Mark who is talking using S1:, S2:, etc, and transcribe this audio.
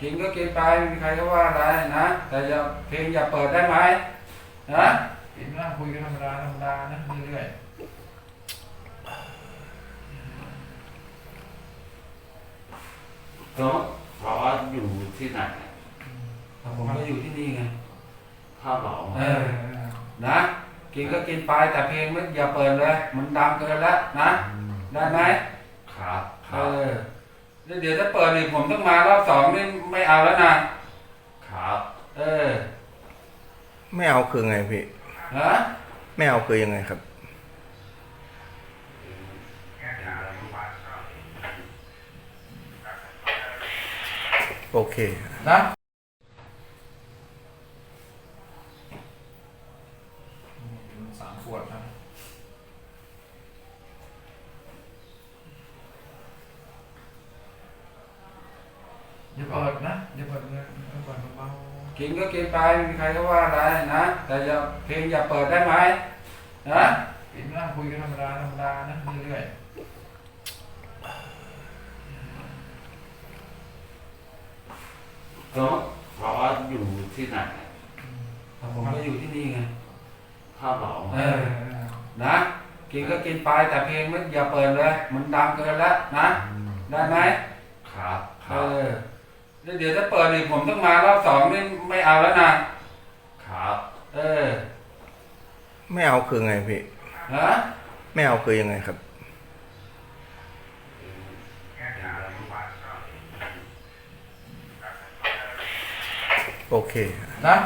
S1: กินก็กินไปไม่มีใครก็ว่าอะไรนะแต่อย่าเพลงอย่าเปิดได้ไหมนะ
S2: กินนั่งคุยกันธรรมดานะเรื่อย
S3: ก็เพราะอยู่ที่ไหน
S1: ผมก็อยู่ที่นี่ไง
S3: พ่อบอก
S1: นะกินก็กินไปแต่เพลงไม่อย่าเปิดเลยมันดังเกินแล้วนะได้ไหม
S3: ครับค
S1: เอ
S3: รับ
S1: อแล้วเดี๋ยวถ้าเปิดอีกผมต้องมารอบสองนี่ไม่เอาแล้วนะครับเออ
S4: ไม่เอาคือไงพี่
S1: ฮะ
S4: ไม่เอาคือยังไงครับ โอเค
S2: นะ3 ขวดนะอย่าเปิดนะอย่าเปิดเลยเปิดเบา
S1: กินก็กินไปไม่มีใครก็ว่าอะไรนะแต่อย่าเพลงอย่าเปิดได้ไหมนะ
S2: ๆกินนั่งคุยกันธรรมดานะเรื่อย
S3: ก็เพราะอยู่ที่ไหน
S1: ผมก็อยู่ที่นี่ไง
S3: พ่อบอก
S1: นะกินก็กินไปแต่เพลงไม่อย่าเปิดเลยมันดังเกินแล้วนะได้ไหม
S3: ครับค
S1: เอ
S3: รับ
S1: อแล้วเดี๋ยวถ้าเปิดอีกผมต้องมารอบสองนี่ไม่เอาแล้วนะครับ เออ
S4: ไม่เอาคือไงพี่
S1: ฮะ
S4: ไม่เอาคือยังไงครับ โอเค
S2: ๆนะ